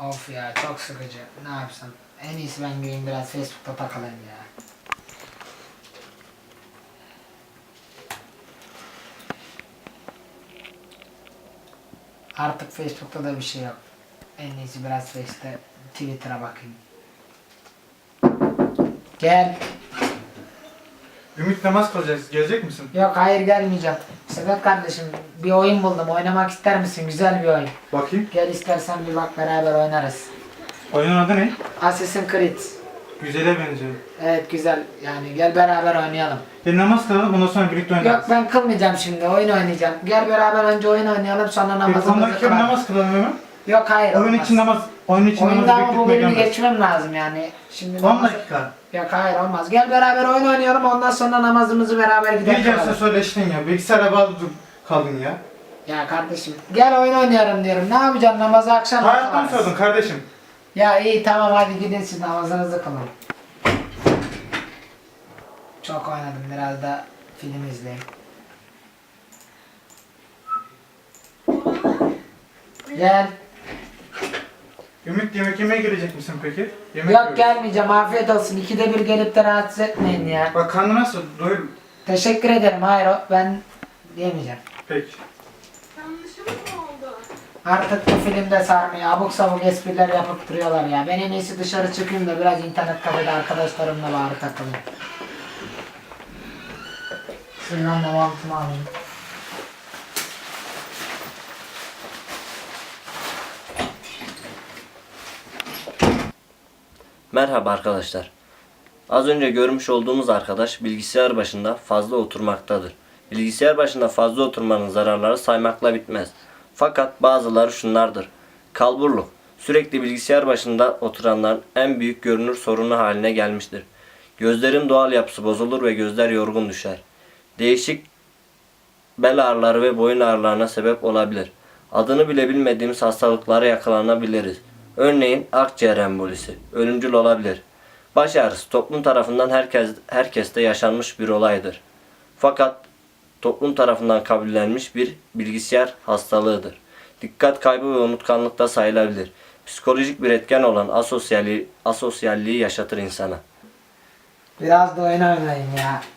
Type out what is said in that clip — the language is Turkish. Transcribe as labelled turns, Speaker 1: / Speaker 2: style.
Speaker 1: Of ya çok sıkıcı. Ne yapsam? En iyisi ben gideyim biraz Facebook'ta takılayım ya. Artık Facebook'ta da bir şey yok. En iyisi biraz Twitter'a bakayım. Gel.
Speaker 2: Ümit namaz kılacağız. Gelecek misin?
Speaker 1: Yok hayır gelmeyeceğim. Sedat kardeşim bir oyun buldum. Oynamak ister misin? Güzel bir oyun.
Speaker 2: Bakayım.
Speaker 1: Gel istersen bir bak beraber oynarız.
Speaker 2: Oyunun adı ne?
Speaker 1: Assassin's Creed.
Speaker 2: Güzele benziyor.
Speaker 1: Evet güzel. Yani gel beraber oynayalım.
Speaker 2: Bir namaz kılalım ondan sonra birlikte oynarız.
Speaker 1: Yok ben kılmayacağım şimdi. Oyun oynayacağım. Gel beraber önce oyun oynayalım sonra
Speaker 2: Bir 10
Speaker 1: namazımızı
Speaker 2: dakika bir
Speaker 1: kılalım.
Speaker 2: namaz kılalım hemen.
Speaker 1: Yok hayır
Speaker 2: Oyun
Speaker 1: olmaz.
Speaker 2: için namaz, oyun için
Speaker 1: Oyunda
Speaker 2: namazı
Speaker 1: ama bu
Speaker 2: bekletmek
Speaker 1: bölümü
Speaker 2: gelmez.
Speaker 1: geçmem lazım yani. Şimdi
Speaker 2: 10 dakika.
Speaker 1: Yok hayır olmaz. Gel beraber oyun oynayalım ondan sonra namazımızı beraber
Speaker 2: Ne
Speaker 1: gidelim.
Speaker 2: diyeceksin söyleştin ya. Bilgisayara bağlı kaldın ya.
Speaker 1: Ya kardeşim gel oyun oynayalım diyorum. Ne yapacaksın namazı akşam
Speaker 2: Hayatta mı
Speaker 1: kılarız.
Speaker 2: sordun kardeşim?
Speaker 1: Ya iyi tamam hadi gidin siz namazınızı kılın. Çok oynadım biraz da film izleyeyim. Gel.
Speaker 2: Ümit yemek yemeye gelecek misin peki? Yemek
Speaker 1: Yok
Speaker 2: yiyoruz.
Speaker 1: gelmeyeceğim afiyet olsun. İkide bir gelip de rahatsız etmeyin ya.
Speaker 2: Bak karnı nasıl? Doyur.
Speaker 1: Teşekkür ederim hayır ben yemeyeceğim.
Speaker 2: Peki.
Speaker 3: Yanlışım mı oldu?
Speaker 1: Artık bu filmde sarmıyor. Abuk sabuk espriler yapıp duruyorlar ya. Ben en iyisi dışarı çıkayım da biraz internet kafede arkadaşlarımla bari takılayım. Şuradan da mantımı alayım.
Speaker 4: Merhaba arkadaşlar. Az önce görmüş olduğumuz arkadaş bilgisayar başında fazla oturmaktadır. Bilgisayar başında fazla oturmanın zararları saymakla bitmez. Fakat bazıları şunlardır. Kalburluk. Sürekli bilgisayar başında oturanların en büyük görünür sorunu haline gelmiştir. Gözlerin doğal yapısı bozulur ve gözler yorgun düşer. Değişik bel ağrıları ve boyun ağrılarına sebep olabilir. Adını bile bilmediğimiz hastalıklara yakalanabiliriz. Örneğin akciğer embolisi, ölümcül olabilir. Baş ağrısı toplum tarafından herkeste yaşanmış bir olaydır. Fakat toplum tarafından kabullenmiş bir bilgisayar hastalığıdır. Dikkat kaybı ve unutkanlıkta sayılabilir. Psikolojik bir etken olan asosyalliği yaşatır insana.
Speaker 1: Biraz da oyun oynayayım ya.